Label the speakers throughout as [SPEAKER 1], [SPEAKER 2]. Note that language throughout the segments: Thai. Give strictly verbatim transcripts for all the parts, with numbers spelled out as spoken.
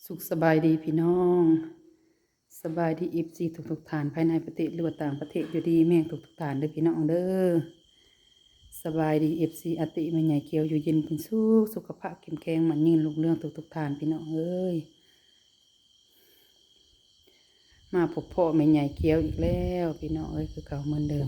[SPEAKER 1] สุขสบายดีพี่น้องสบายดีอีฟซีทุกทุกฐานภายในประเทศหรือว่าต่างประเทศอยู่ดีแม่งทุกทุกฐานเด้อพี่น้องเด้อสบายดีเอฟซีอติแม่ใหญ่เกียวอยู่เย็นเป็นสุขสุขภาพเข้มแข็งมันยืนลูกเรื่องทุกทุกฐานพี่น้องเอ้ยมาพบพ่อแม่ใหญ่เกียวอีกแล้วพี่น้องเอ้ยคือเก่าเหมือนเดิม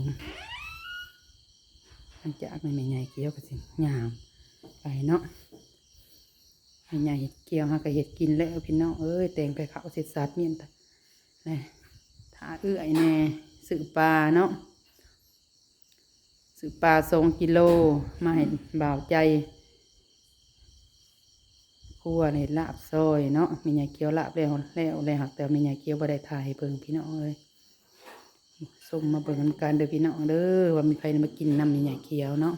[SPEAKER 1] หลังจากแม่ใหญ่เกียวก็สิงามไปเนาะแม่ใหญ่เกียวหากระเห็ดกินแล้วพี่น้องเอ้ยแต่งไปเขาเสร็จสัดเมียนแต่นี่ถ้าเอื้อยแน่สื่อปลาเนาะสื่อปลาสองกิโลมาให้บ่าวใจคั่วในลาบซอยเนาะมีใหญ่เกียวลาบแล้วแล้วแล้วหักแต่มีใหญ่เกียวบ่ได้ถ่ายให้เบิ่งพี่น้องเอ้ยส่งมาเบิ่งกันเด้อพี่น้องเด้อว่ามีใครมากินน้ำมีใหญ่เกียวเนาะ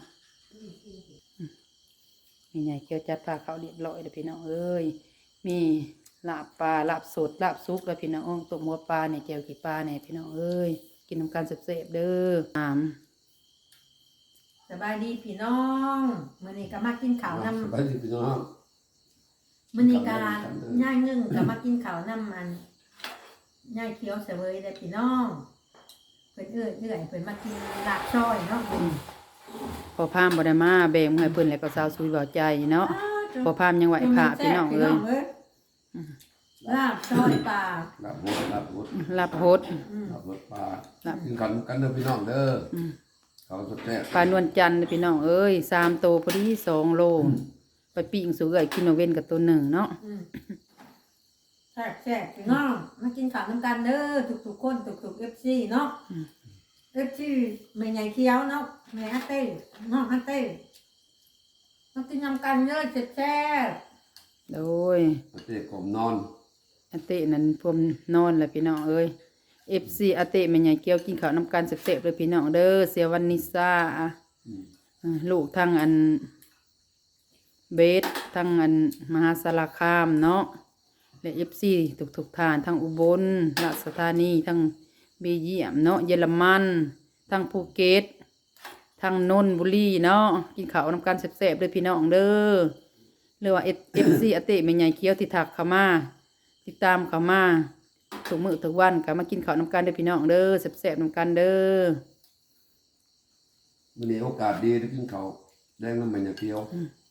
[SPEAKER 1] มีใหญ่เกียวจัดปลาเขาเรียบร้อยเด้อพี่น้องเอ้ยมีลาบปลาลาบสดลาบซุกแล้วพี่น้องต้มหัวปลาเนี่ยแจ่วขี้ปลาเนี่ยพี่น้องเอ้ยกินน้ำกันเสพๆเด้อน้
[SPEAKER 2] ำสบายดีพี่น้องมื้อนี้ก็มากินข้าวน้ำ
[SPEAKER 3] สบายดีพี่น้อง
[SPEAKER 2] มื้อนี้ก็ย่ายนึ่งก็มากินข้าวน้ำมันย่ายเคี้ยวเสวยได้พี่น้องเพิ่นเอื้อยเอื้อยเพิ่นมากินลาบซอยเนาะ
[SPEAKER 1] พอพามบ่ได้มาแบ่งให้เพิ่นแล้วก็สาวซุยเบาใจเนาะพอพามยังไหวพระพี่น้องเอ้ย
[SPEAKER 2] ลาบซอยปลา
[SPEAKER 3] ลาบหดลาบหด
[SPEAKER 1] ลาบหด
[SPEAKER 3] ลาบหดปลากินกันกันเด้อพี่น้องเด้อเขาสดแซ่บ
[SPEAKER 1] ปลานวลจันทร์พี่น้องเอ้ยสามโตพอดีสองโลไปปิ้งสู่เอ้ยกินเอาเว้นกับตัวหนึ่งเนาะ
[SPEAKER 2] แซ่บแซ่บพี่น้องมากินข้าวน้ำกันเด้อทุกๆคนทุกๆ เอฟ ซี เนาะ เอฟ ซี แม่ใหญ่เคี้ยวเนาะแม่ฮัตเต้น้องฮัตเต้มากินน้ำกันเด้อแซ่บ
[SPEAKER 1] โดย
[SPEAKER 3] อาเต้กมนอน
[SPEAKER 1] อาเต้นั้นพวมนอนแหละพี่น้องเอ้ย เอฟ ซี อาเต้แม่ใหญ่เกียวกินข้าวน้ำกันเสพๆเลยพี่น้องเด้อเสียวันนิซาลูกทั้งอันเบสทั้งอันมหาสารคามเนาะและ เอฟ ซี ทุกๆทานทั้งอุบลราชธานีทั้งเบลเยียมเนาะเยอรมันทั้งภูเก็ตทั้งนนทบุรีเนาะกินข้าวน้ำกันแซ่บๆเลยพี่น้องเด้อเรียกว่า เอฟ ซี อาเต้แม่ใหญ่เกียวที่ถักเข้ามาติดตามเข้ามาทุกมื้อทุกวันก็มากินข้าวน้ำกันเด้อพี่น้องเด้อแซ่บๆน้ำกันเด้อ
[SPEAKER 3] มื้อนี้โอกาสดีได้กินข้าวแดงน้ำมันอย่างเดียว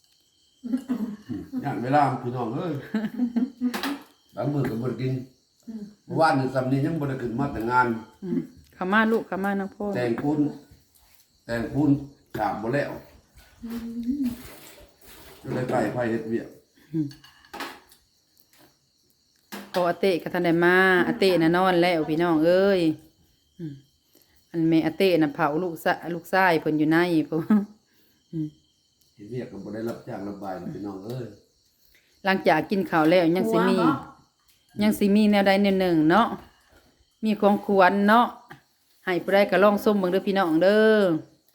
[SPEAKER 3] อย่างเวลาพี่น้องเอ้ยบางมื้อก็บ่ได้กินเมื่อวานนี่ซ้ำนี้ยังบ่ได้ขึ้นมาแต่งาน
[SPEAKER 1] เข้ามาลูกเข้ามาน้องพ่อ
[SPEAKER 3] แต่งปูนแต่งปูนฉาบบ่แล้วอยู่ใกล้ๆไผเฮ็ดเวียก
[SPEAKER 1] พออาเต้ก็ทันได้มาอาเต้น่ะนอนแล้วพี่น้องเอ้ยอันแม่อาเต้น่ะเผาลูกซะลูกชายเพิ่นอยู่ในพุ่น
[SPEAKER 3] เฮ็ดเวียกก็บ่ได้รับจ้างรับบายพี่น้องเอ้ย
[SPEAKER 1] หลังจากกินข้าวแล้วยังสิมียังสิมีแนวใดแนวหนึ่งเนาะมีของควรเนาะให้ผู้ใดก็ลองส้มเบิ่งเด้อพี่น้องเด้อ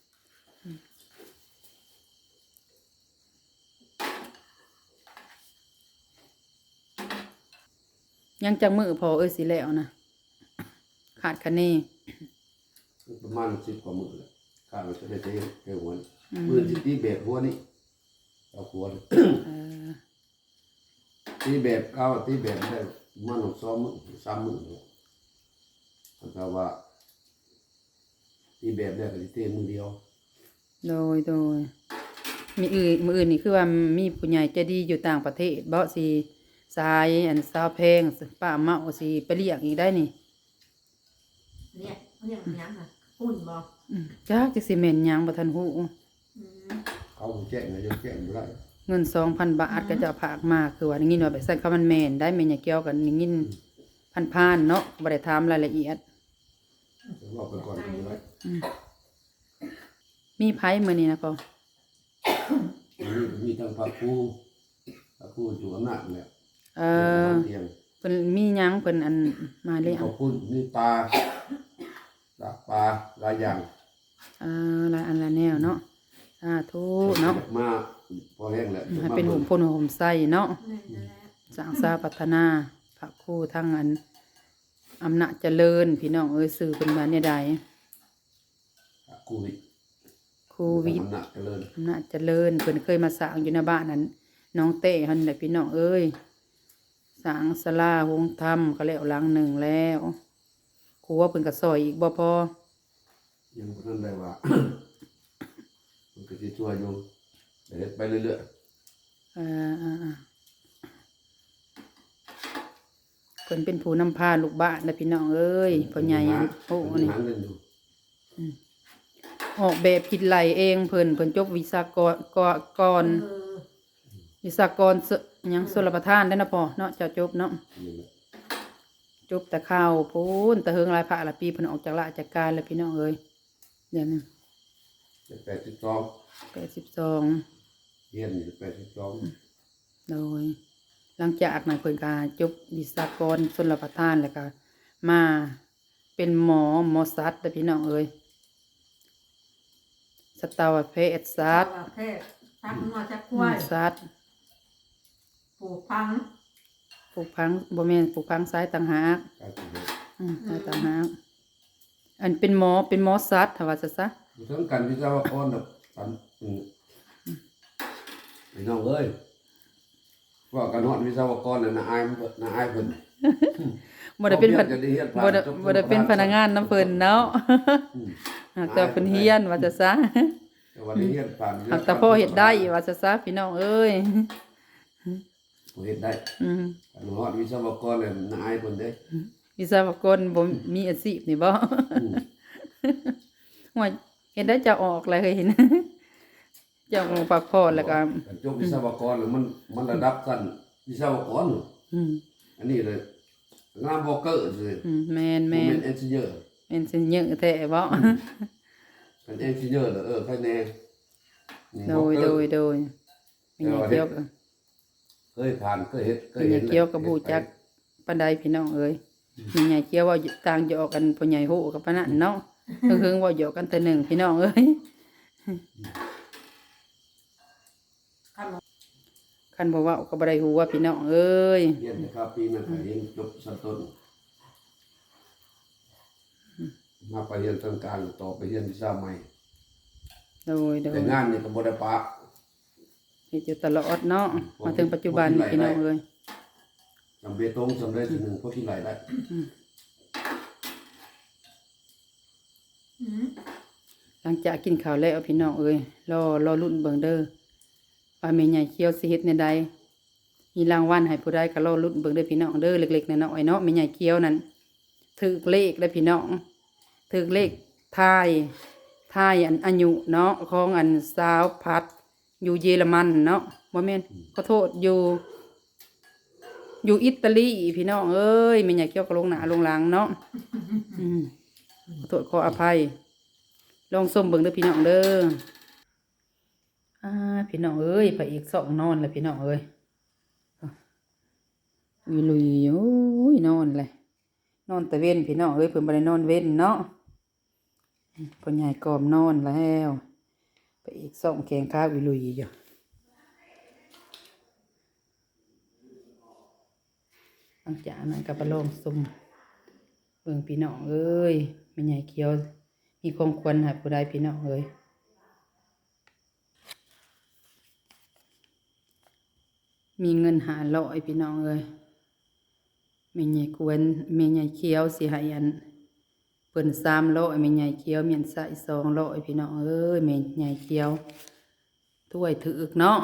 [SPEAKER 1] ยังจังมือพอเอ้ยสิแล้วนะขาดคะแนน
[SPEAKER 3] ประมาณสิบกว่ามื้อแล้วข้าวจะได้เทเทหัวมื้อสิตีแบบหัวนี่เอาหัวเออตีแบบเอาตีแบบได้มันสองมื้อสามมื้อเพราะว่าตีแบบได้ก็สิเทมื้อเดียว
[SPEAKER 1] โดยโดยมีอื่นมื้ออื่นนี่คือว่ามีผู้ใหญ่ใจดีอยู่ต่างประเทศบ่สิสายอันสาวแพงป้าเมาสิไปเรียกอีกได้นี่
[SPEAKER 2] เนี่ยเรียกหยังน่ะปุ่นบ่
[SPEAKER 1] จักจักสิแม่นหยังบ่ทันฮู้
[SPEAKER 3] เขาแจ้งเลยแจ้งบ่ได้
[SPEAKER 1] เงิน สองพัน บาทก็จะฝากมาคือว่าได้ยินว่าไปซั่นเขามันแม่นได้แม่นอย่าเกี่ยวกันได้ยินพันๆเนาะบ่ได้ถามรายละเอียด
[SPEAKER 3] บอกไปก่อนเลย
[SPEAKER 1] มีไผมื้อนี้นะพ่อ
[SPEAKER 3] มีทั้งพระครูพระครูอยู่อำนาจเนี่ย
[SPEAKER 1] เออเพิ่นมีหยังเพิ่นอันมาเลย
[SPEAKER 3] ขอบคุณมีปลาลาปลาหลายอย่าง
[SPEAKER 1] เออหลายอันละแนวเนาะสาธุเนาะ
[SPEAKER 3] มาพอแห้งแล้ว
[SPEAKER 1] ให้เป็นหุ่มพลหุ่มไส้เนาะสร้างสาพัฒนาพระครูทั้งอันอำนาจเจริญพี่น้องเอ้ยสื่อเป็นมาเนี่ยใด
[SPEAKER 3] ครูวิ
[SPEAKER 1] ครูวิทย์
[SPEAKER 3] อำนาจเจริญ
[SPEAKER 1] อำนาจเจริญเพิ่นเคยมาสร้างอยู่ในบ้านนั้นน้องเต้หั่นแหละพี่น้องเอ้ยสร้างศาลาโฮงธรรมก็แล้วหลังหนึ่งแล้วครัวเพิ่นก็ซอยอีกบ่พอ
[SPEAKER 3] ยังบ่ทันได้ว่า มันก็สิช่วยอยู่เดี๋ยวเฮ็ดไปเรื่อย
[SPEAKER 1] เอ่อเพิ่นเป็นผู้นำพาลูกบ้านนะพี่น้องเอ้ย
[SPEAKER 3] ๆ
[SPEAKER 1] พ่อใหญ่อันโอ้
[SPEAKER 3] มัน
[SPEAKER 1] นี่
[SPEAKER 3] หาเงินอยู่
[SPEAKER 1] ออกแบบคิดไหลเองเพิ่นเพิ่นจบวิศากรกกร
[SPEAKER 2] เออ
[SPEAKER 1] วิศากรสหยังชลประทานได้อนะพ่อเนาะเจ้าจบเนาะ
[SPEAKER 3] นี่แหละ
[SPEAKER 1] จบแต่ข้าวพูนแต่เฮิงหลายพระหลายปีเพิ่นออกจากราชการแล้วพี่น้องเอ้ยเดี๋ยวนี้
[SPEAKER 3] แปดสิบสอง
[SPEAKER 1] แปดสิบสอง
[SPEAKER 3] เรียนอยู่แปดสิบสอง
[SPEAKER 1] โดย หลังจากนั้นเพิ่นก็จบวิศากรชลประทานแล้วก็มาเป็นหมอหมอสัตว์เด้อพี่น้องเอ้ยสัตวแพทย์สัตว์
[SPEAKER 2] ประเภทชักงัวชักควาย
[SPEAKER 1] สัตว์
[SPEAKER 2] ปลูกพัง
[SPEAKER 1] ปลูกพังบ่แม่นปลูกพังซ้ายต่างหาก
[SPEAKER 3] การสิเฮ็ด
[SPEAKER 1] อืมซ้ายต่างหากอันเป็นหมอเป็นหมอสัตว์ถ้าว่าซะซะ
[SPEAKER 3] อยู่ทั้งกันวิศวกรดอกปันอืมพี่น้องเอ้ยว่ากันฮอดวิศวกรน่ะน่าอายมันเพิ่นน่าอายเพิ่น
[SPEAKER 1] บ่ได้เป็นพ
[SPEAKER 3] พ
[SPEAKER 1] นั
[SPEAKER 3] นั
[SPEAKER 1] ก
[SPEAKER 3] กงาน
[SPEAKER 1] บ่ได้บ่ได้เป็นพนักงานน้ำเพิ่นเนาะ
[SPEAKER 3] อืม
[SPEAKER 1] หากแต่เพิ่นเฮียนว่าซะซะ
[SPEAKER 3] แต่วันนี้เฮ็ดผ่าน
[SPEAKER 1] หากแต่พ่อเฮ็ดได้ว่าซะซะพี่น้องเอ้ย
[SPEAKER 3] บ่เฮ็ดได้
[SPEAKER 1] อืม
[SPEAKER 3] กันฮอดวิศวกรน่ะน่าอายเพิ่นเด้
[SPEAKER 1] วิศวกรบ่มีอาชีพนี่บ่
[SPEAKER 3] อืม
[SPEAKER 1] ว่าเฮ็ดได้จะออกเลยเห็น เจ้าของปักพอแล้วก็
[SPEAKER 3] กันจบวิศวกรน่ะมันมันระดับสั้นวิศวกร
[SPEAKER 1] อืม
[SPEAKER 3] อันนี้เลยงานบอกเกอร์สิ
[SPEAKER 1] อืมแม่น
[SPEAKER 3] มัน
[SPEAKER 1] แม่
[SPEAKER 3] เป็น นเอนจิเนียร์
[SPEAKER 1] เป็นเซนเยอะแท้บ่
[SPEAKER 3] เป็นเอนจิเนียร์เหรอเออใครแน่นี่
[SPEAKER 1] โด
[SPEAKER 3] บอก
[SPEAKER 1] ย
[SPEAKER 3] เก
[SPEAKER 1] โด
[SPEAKER 3] อร์
[SPEAKER 1] ยโดยมีหยังเกี่ยวกับ
[SPEAKER 3] เคยผ่านเคยเฮ็ดเค
[SPEAKER 1] มี
[SPEAKER 3] ย
[SPEAKER 1] ห
[SPEAKER 3] เห็
[SPEAKER 1] ยั
[SPEAKER 3] น
[SPEAKER 1] งเกี่ยวกับผู้จักปานใดพี่น้องเอ้ยมีหยังเกี่ยวว่าต่างจะออกกันผู้ใหญ่ฮู้กับปานนั้นเนาะเพิ่งๆว่าอยู่กันแต่หนึ่งพี่น้องเอ้ย
[SPEAKER 2] ขนม
[SPEAKER 1] คันบ่เว้าก็บ่ได้ฮู้ว่าพี่น้องเอ้ย
[SPEAKER 3] เรียนนะครับปีนั้นก็เรียนจบชั้นต้นมาไปเรียนทางการต่อไปเรียนวิชาใหม่
[SPEAKER 1] โดยโด
[SPEAKER 3] แต่
[SPEAKER 1] ย
[SPEAKER 3] งานนี่ก็บ่ได้ปะ
[SPEAKER 1] เฮ็ดอยู่ตลอดเนาะมาถึงปัจจุบันนี่พี่น้องเอ้ย
[SPEAKER 3] จำเบตงสำเร็จทีหนึ่งพวกที่ไหลได้
[SPEAKER 2] อืม
[SPEAKER 1] หลังจากกินข้าวแล้วพี่น้องเอ้ยรอรอรุ่นเบิ่งเด้อว่าแม่ใหญ่เคี้ยวสิเฮ็ดแนวใดมีรางวัลให้ผู้ใดก็รอรุ่นเบิ่งเด้อพี่น้องเด้อเล็กๆน้อยๆเนาะแม่ใหญ่เคี้ยวนั่นถูกเลขเด้อพี่น้องถูกเลขทายทายอันอายุเนาะของอันสาวพัดอยู่เยอรมันเนาะบ่แม่นขอโทษอยู่ อยู่อิตาลีพี่น้องเอ้ยแม่ใหญ่เคี้ยวก็ลงหน้าลงหลังเนาะอืมขอโทษขออภัย ลองส้มเบิ่งเด้อพี่น้องเด้ออ่าพี่น้องเอ้ยพระเอกสองนอนแล้วพี่น้องเอ้ยวิลุยโอ้ยนอนเลยนอนแต่เว้นพี่น้องเอ้ยเพิ่นบ่ได้นอนเว้นเนาะพ่อใหญ่กอมนอนแล้วพระเอกสองแขงขาวิลุยอยู่หลังจากนั้นก็ไปลองส้มเบิ่งพี่น้องเอ้ยแม่ใหญ่เขียวมีของควรให้ผู้ใดพี่น้องเอ้ยมีเงินหาร้อยพี่น้องเอ้ยแม่ใหญ่ควรแม่ใหญ่เขียวสิให้อันเพิ่นสามร้อยแม่ใหญ่เขียวเมียนใส่สองร้อยพี่น้องเอ้ยแม่ใหญ่เขียวถ้วยถึกเนาะ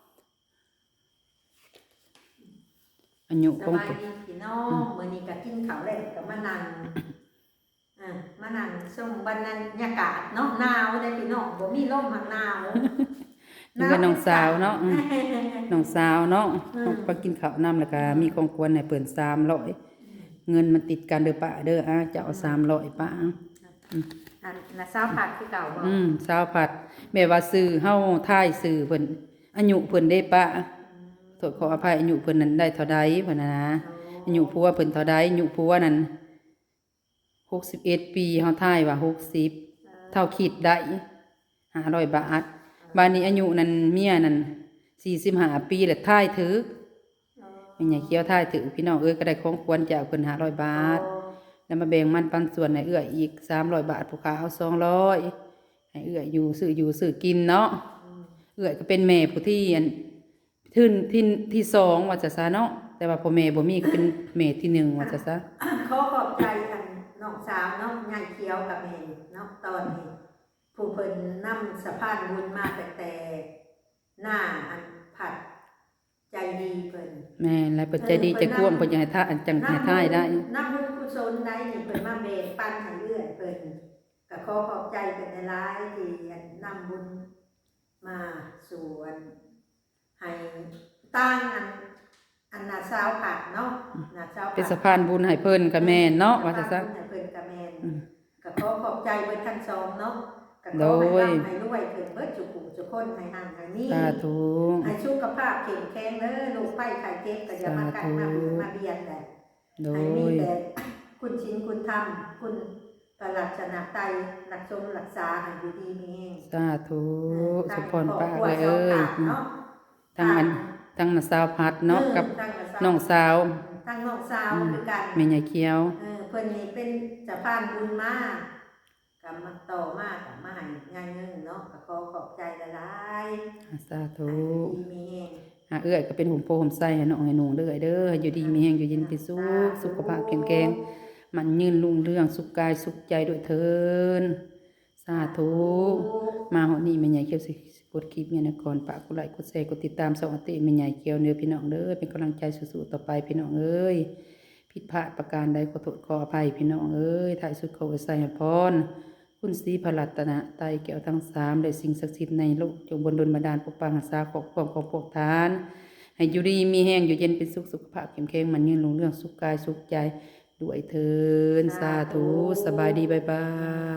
[SPEAKER 1] อายุ
[SPEAKER 2] ส
[SPEAKER 1] ของ
[SPEAKER 2] บายดีพี่น้องมื้อนี้ก็กินข้าวแล้วก็มานั่งอ่ามานั่งชมบรรยากาศเนาะหนาวได้พี่น้องบ่มีลมหักหนาว
[SPEAKER 1] นี่ก็น้องสาวเนาะอืม น้องสาวเนาะ
[SPEAKER 2] อืม
[SPEAKER 1] ไปกินข้าวน้ำแล้วก็มีของควรให้เปิ่นสามร้อยเงินมันติดกันเด้อป้าเด้ออ่ะจะเอาสามร้อยป้า
[SPEAKER 2] อันน่ะสาวผัดคือเก่าบ่
[SPEAKER 1] อืมสาวผัดแม่ว่าซื้อเฮาท่ายซื้อเพิ่นอายุเพิ่นได้ป้าโทษขออภัยอายุเพิ่นนั้นได้เท่าใดเพิ่นน่ะนะอายุผัวเพิ่นเท่าใดอายุผัวนั้นหกสิบเอ็ดปีเฮาท่ายว่าหกสิบเท่าคิดได้ห้าร้อยบาทบาดนี้อายุนั้นเมียนั้นสี่สิบห้าปีแล้วท่ายถึก แม่ใหญ่เคี้ยวท่ายถือพี่น้องเอ้ยก็ได้ของควรจากเพิ่นห้าร้อยบาท แล้วมาแบ่งมันปันส่วนให้เอื้ออีกสามร้อยบาทผู้ค้าเอาสองร้อยให้เอื้ออยู่ซื้ออยู่ซื้อกินเนาะเอื้อก็เป็นแม่ผู้ที่อันแทื่นที่ที่สองว่าจะซะเนาะแต่ว่าพ่อแม่บ่มีก็เป็นแม่ที่หนึ่งว่าจะซะ
[SPEAKER 2] ขอขอบใจอันน้องสาวเนาะยายเขียวกับแม่เนาะตอนนี้ผู้เพิ่นนำสะพานบุญมาแต่แต่หน้าอันผัดใจดีเพิ่น
[SPEAKER 1] แม่นแล้วเปิดใจดีใจกว้างเพิ่นอยากให้ท่าอันจังให้ท่ายได้
[SPEAKER 2] นำบุญกุศลได้นี่เพิ่นมาแบ่งปันให้เรื่อยเพิ่นก็ขอขอบใจเพิ่นหลายๆที่นำบุญมาสู่อันให้ตั้งอันอันน่ะสาวผัดเนาะน่ะสาวผัด
[SPEAKER 1] เป็นสะพานบุญให้เพิ่นก็แม่นเนาะว่าจะซะ
[SPEAKER 2] ให้เพิ่นก็แม่น
[SPEAKER 1] อืม
[SPEAKER 2] ก็ขอขอบใจเบิดทั้งสองเนาะก็ข
[SPEAKER 1] โด
[SPEAKER 2] อย ให้ร่ำให้รวยเพิ่นเบิดจุกุจุกคนให้ห่างให้มี
[SPEAKER 1] สาธุ
[SPEAKER 2] ให้สุขภาพเข้มแข็งเด้อลูกไผ่ไข่เจ็บก็อย่ามากัดมาเบียดมาเบียดแหละ
[SPEAKER 1] โด
[SPEAKER 2] ให้มี
[SPEAKER 1] ย
[SPEAKER 2] แต่คุณชินคุณธรรมคุณประหลัดชนะไตรักชมรักษาให้อยู่ดีมีแรง
[SPEAKER 1] สาธุ
[SPEAKER 2] เออ
[SPEAKER 1] สมพรป้า
[SPEAKER 2] ครอบครัว
[SPEAKER 1] เอ้ย
[SPEAKER 2] สองขาเนาะ
[SPEAKER 1] ทั้งอันทั้งน่ะสาวพัดเนาะกับ
[SPEAKER 2] ทั้งสาว
[SPEAKER 1] น้องสาว
[SPEAKER 2] ทั้งน้องสาวคือกัน
[SPEAKER 1] แม่ใหญ่เขียว
[SPEAKER 2] เออเพิ่นนี่เป็นสะพานบุญมากกับมาต่อมากกับมาให้งานเงินเนาะก็ขอขอบใจหลายๆ
[SPEAKER 1] สาธุ
[SPEAKER 2] ให้ดีมีแรง
[SPEAKER 1] หาเอื้อยก็เป็นหุ่มโพหุ่มไส้ให้น้องให้หนูเด้อเด้อให้อยู่ดีมีแรงอยู่เย็นเป็นสุขสุขภาพแข็งแรงมันยืนรุ่งเรืองสุขกายสุขใจด้วยเถินสาธุมาฮอดนี้แม่ใหญ่เขียวสิกดคลิปเนี่ยนะก่อนฝากกดไลค์กดแชร์กดติดตามช่องอติแม่ใหญ่เขียวเด้อพี่น้องเด้อเป็นกำลังใจสู้ๆต่อไปพี่น้องเอ้ยผิดพลาดประการใดขอโทษขออภัยพี่น้องเอ้ยถ่ายสุดขอไว้ใส่ให้พร คุณศรีพระรัตนะไตรแก้วทั้งสามและสิ่งศักดิ์สิทธิ์ในโลกจงบนดลบันดาลปกปักรักษาปกป้องของพวกทาน ให้อยู่ดีมีแห้งอยู่เย็นเป็นสุขสุขภาพเข้มแข็งมันยืนลงเรื่องสุขกายสุขใจด้วยเถินสาธุสบายดีบ๊ายบาย